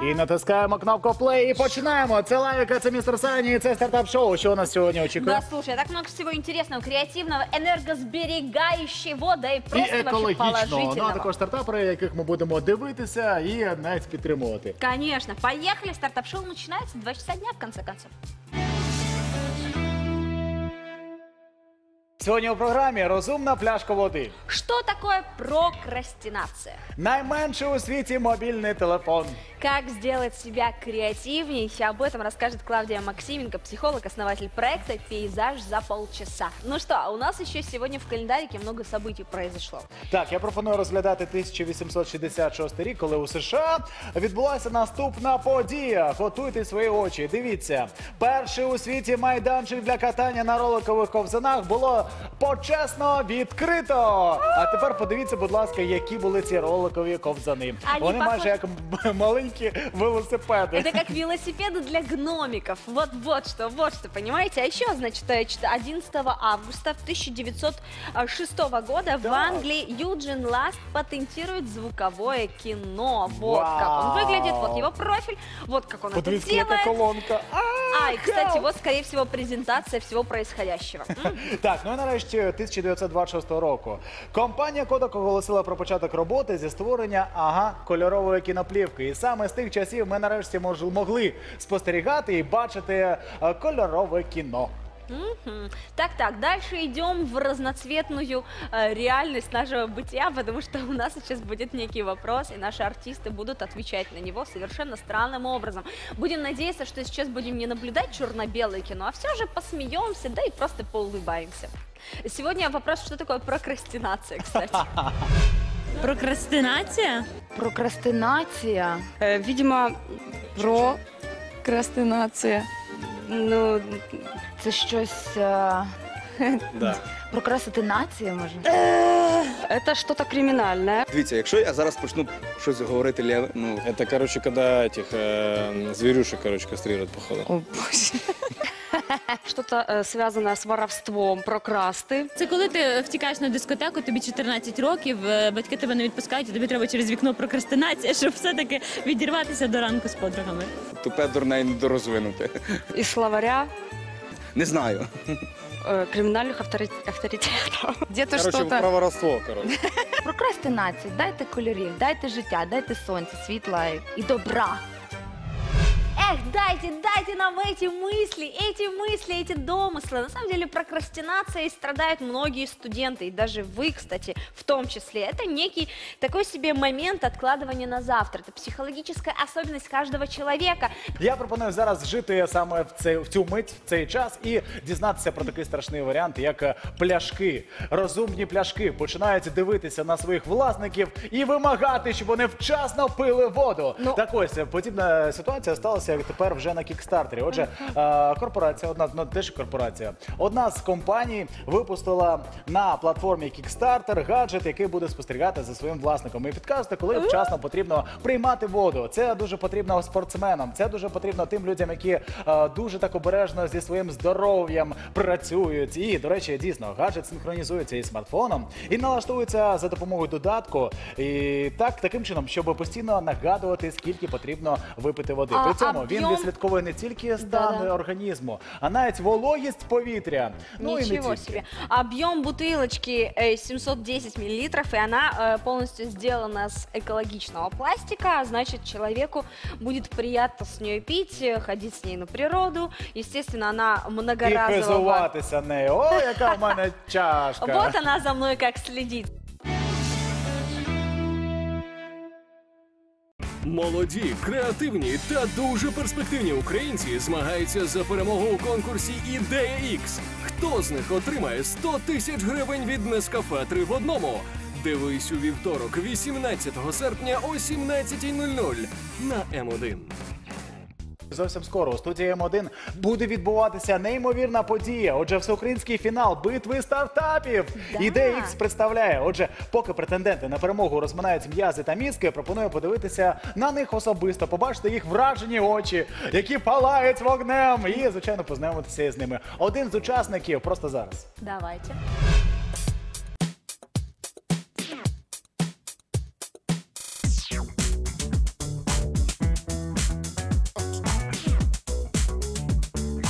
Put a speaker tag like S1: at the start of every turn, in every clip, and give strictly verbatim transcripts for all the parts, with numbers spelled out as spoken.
S1: І натискаємо кнопку плей і починаємо. Це Лавіка, це містер Сані, і це стартап-шоу. Що у нас сьогодні очікує?
S2: Да, слушай, так много всего интересного, креативного, энергосберегающего, да и
S1: І
S2: просто вообще
S1: екологічного. Ну, а
S2: положительного.
S1: також стартапери, яких ми будемо дивитися і навіть підтримувати.
S2: Конечно. Поехали. Стартап-шоу начинается в два часа дня, в конце концов.
S1: Сьогодні у програмі «Розумна пляшка води».
S2: Что такое прокрастинация?
S1: Найменший у світі мобільний телефон.
S2: Как сделать себя креативней? Об этом расскажет Клавдия Максименко, психолог, основатель проекта «Пейзаж за полчаса». Ну что, у нас еще сегодня в календарике много событий произошло.
S1: Так, я пропоную розглядати тисяча вісімсот шістдесят шостий рік, коли у США відбулася наступна подія. Готуйте свої очі. Дивіться, перший у світі майданчик для катання на роликових ковзанах було почесно відкрито. А тепер подивіться, будь ласка, які були ці роликові ковзани.
S2: Они
S1: Вони
S2: похожи-
S1: майже як маленькі велосипеди.
S2: Это как велосипеды для гномиков. Вот, вот что, вот что, понимаете? А еще, значит, одиннадцатого августа тысяча девятьсот шестого года в Англии Юджин Ласт патентирует звуковое кино. Вот как он выглядит, вот его профиль, вот как он это
S1: Подивіться, яка
S2: делает.
S1: колонка.
S2: А, и, кстати, вот, скорее всего, презентация всего происходящего. М?
S1: Так, ну і нарешті тисяча дев'ятсот двадцять шостого року. Компанія Kodak оголосила про початок роботи зі створення, ага, кольорової кіноплівки. І саме з тих часів ми нарешті мож, могли спостерігати і бачити е, кольорове кіно.
S2: Мгм. Так, так, дальше идем в разноцветную э, реальность нашего бытия, потому что у нас сейчас будет некий вопрос, и наши артисты будут отвечать на него совершенно странным образом. Будем надеяться, что сейчас будем не наблюдать черно-белое кино, а все же посмеемся, да и просто поулыбаемся. Сегодня вопрос, что такое прокрастинация, кстати.
S3: Прокрастинація?
S4: Прокрастинація.
S5: Е, Видимо,
S4: Прокрастинація.
S5: ну,
S4: Це щось. е,
S1: Да.
S4: Прокрастинація, може?
S5: это что-то криминальное.
S6: Дивіться, якщо я зараз почну щось говорити лєве, ну
S7: Это, короче, когда этих э, зверюшек, короче, кастрируют, походу.
S4: О, Боже.
S5: Что-то э, связанное с воровством, прокрасти.
S3: Це коли ти втікаєш на дискотеку, тобі чотирнадцять років, е, батьки тебе не відпускають, і тобі треба через вікно прокрастинація, щоб все-таки відірватися до ранку з подругами.
S6: тупе, дурне і недорозвинуте.
S5: Из словаря
S6: Не знаю.
S5: э, криминальных авторит- авторитетов.
S4: Где-то
S7: Короче,
S4: что-то.
S7: про воровство, короче.
S4: Прокрастинація. Дайте кольорів, дайте життя, дайте сонця, світла і- і добра.
S2: Эх, дайте, дайте нам эти мысли, эти мысли, эти домыслы. На самом деле прокрастинацией страдают многие студенты, и даже вы, кстати, в том числе. Это некий такой себе момент откладывания на завтра. Это психологическая особенность каждого человека.
S1: Я пропоную зараз жити саме в, цей, в цю мить, в цей час і дізнатися про такий страшний варіант, як е, пляшки. Розумні пляшки починають дивитися на своїх власників і вимагати, щоб вони вчасно пили воду.
S2: Ну.
S1: Так ось, е, подібна ситуація сталася тепер вже на Кікстартері. Отже, е, корпорація, одна, ну теж корпорація, одна з компаній випустила на платформі Kickstarter гаджет, який буде спостерігати за своїм власником і підказувати, коли вчасно потрібно приймати воду. Це дуже потрібно спортсменам, це дуже потрібно тим людям, які е, дуже так обережно зі своїм здоров'ям працюють. І, до речі, дійсно, гаджет синхронізується із смартфоном і налаштовується за допомогою додатку. І так, таким чином, щоб постійно нагадувати, скільки потрібно випити води.
S2: А
S1: При цьому він
S2: об'єм?
S1: відслідковує не тільки стан
S2: Да-да.
S1: організму, а навіть вологість повітря. Ну і не
S2: Ничего
S1: тільки.
S2: себе. Объем бутылочки э, семьсот десять миллилитров, и она э, полностью сделана с экологичного пластика. А значит, человеку будет приятно с нее пить, э, ходить с ней на природу. Естественно, она
S1: І
S2: многоразового.
S1: хизуватися нею. О, яка в мене чашка.
S2: Вот она за мной как следит.
S8: Молоді, креативні та дуже перспективні українці змагаються за перемогу у конкурсі «Ідея Ікс». Хто з них отримає сто тисяч гривень від Нескафе три в одному? Дивись у вівторок, вісімнадцятого серпня о сімнадцятій нуль нуль на М один.
S1: Зовсім скоро у студії М один буде відбуватися неймовірна подія. Отже, всеукраїнський фінал битви стартапів.
S2: Да.
S1: Ідея Ікс представляє. Отже, поки претенденти на перемогу розминають м'язи та мізки, пропоную подивитися на них особисто, побачити їх вражені очі, які палають вогнем, і, звичайно, познайомитися із ними. Один з учасників просто зараз.
S2: Давайте.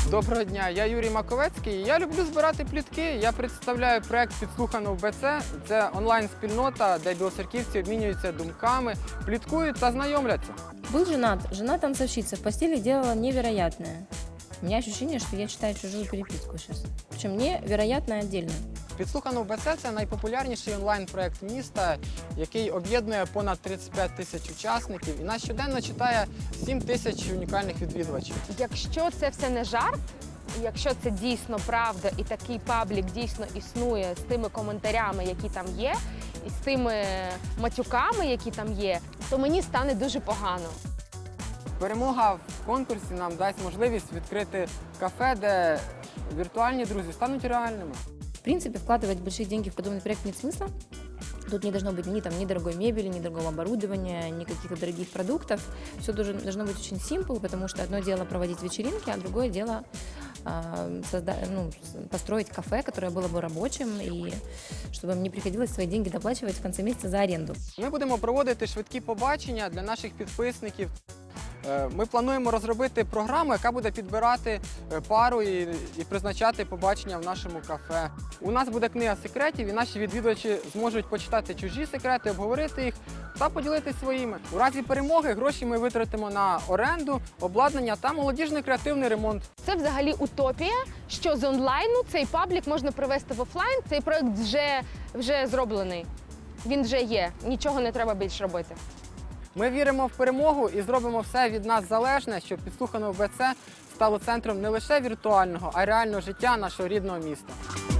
S9: Доброго дня, я Юрій Маковецький. Я люблю збирати плітки. Я представляю проект «Підслухано в БЦ». Це онлайн-спільнота, де білоцерківці обмінюються думками, пліткують та знайомляться.
S10: Был женат. Жена-танцовщица в постели делала невероятное. У меня ощущение, что я читаю чужую переписку сейчас. Причем невероятно отдельно.
S9: «Підслухано в БЦ» – це найпопулярніший онлайн-проект міста, який об'єднує понад тридцять п'ять тисяч учасників і нас щоденно читає сім тисяч унікальних відвідувачів.
S11: Якщо це все не жарт, якщо це дійсно правда і такий паблік дійсно існує з тими коментарями, які там є, і з тими матюками, які там є, то мені стане дуже погано.
S9: Перемога в конкурсі нам дасть можливість відкрити кафе, де віртуальні друзі стануть реальними.
S10: В принципе, вкладывать большие деньги в подобный проект нет смысла. Тут не должно быть ни, там, ни дорогой мебели, ни дорогого оборудования, ни каких-то дорогих продуктов. Все должно, должно быть очень simple, потому что одно дело проводить вечеринки, а другое дело э, созда- ну, построить кафе, которое было бы рабочим, и чтобы им не приходилось свои деньги доплачивать в конце месяца за аренду.
S9: Ми будемо проводити швидкі побачення для наших підписників. Ми плануємо розробити програму, яка буде підбирати пару і, і призначати побачення в нашому кафе. У нас буде книга секретів, і наші відвідувачі зможуть почитати чужі секрети, обговорити їх та поділитися своїми. У разі перемоги гроші ми витратимо на оренду, обладнання та молодіжний креативний ремонт.
S11: Це взагалі утопія, що з онлайну цей паблік можна привести в офлайн. Цей проект вже, вже зроблений. Він вже є, нічого не треба більше робити.
S9: Ми віримо в перемогу і зробимо все від нас залежне, щоб «Підслухано в БЦ» стало центром не лише віртуального, а й реального життя нашого рідного міста.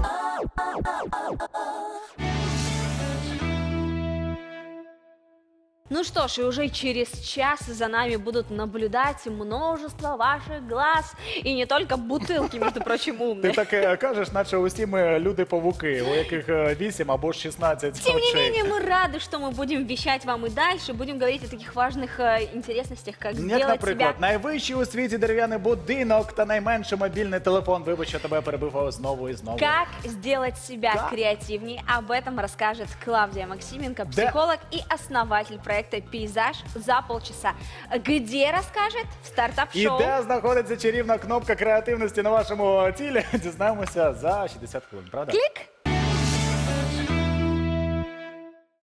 S2: Ну что ж, и уже через час за нами будут наблюдать множество ваших глаз. И не только бутылки, между прочим,
S1: Ти
S2: умные.
S1: так е, кажеш, наче усі ми люди-павуки, у яких е, вісім або шістнадцять
S2: Тем не
S1: очей.
S2: менее, мы рады, что мы будем вещать вам и дальше. Будем говорить о таких важных э, интересностях, как
S1: Як,
S2: сделать
S1: наприклад,
S2: себя...
S1: найвищий у світі дерев'яний будинок та найменший мобільний телефон. Вибач, що тебе перебив знову і знову.
S2: Как сделать себя
S1: Да.
S2: креативнее? Об этом расскажет Клавдия Максименко,
S1: Да.
S2: психолог и основатель проекта «Пейзаж за полчаса». Где расскажет? В
S1: І
S2: стартап-шоу.
S1: де знаходиться чарівна кнопка креативності на вашому тілі? Дізнаємося за шістдесят хвилин, правда?
S2: Клик!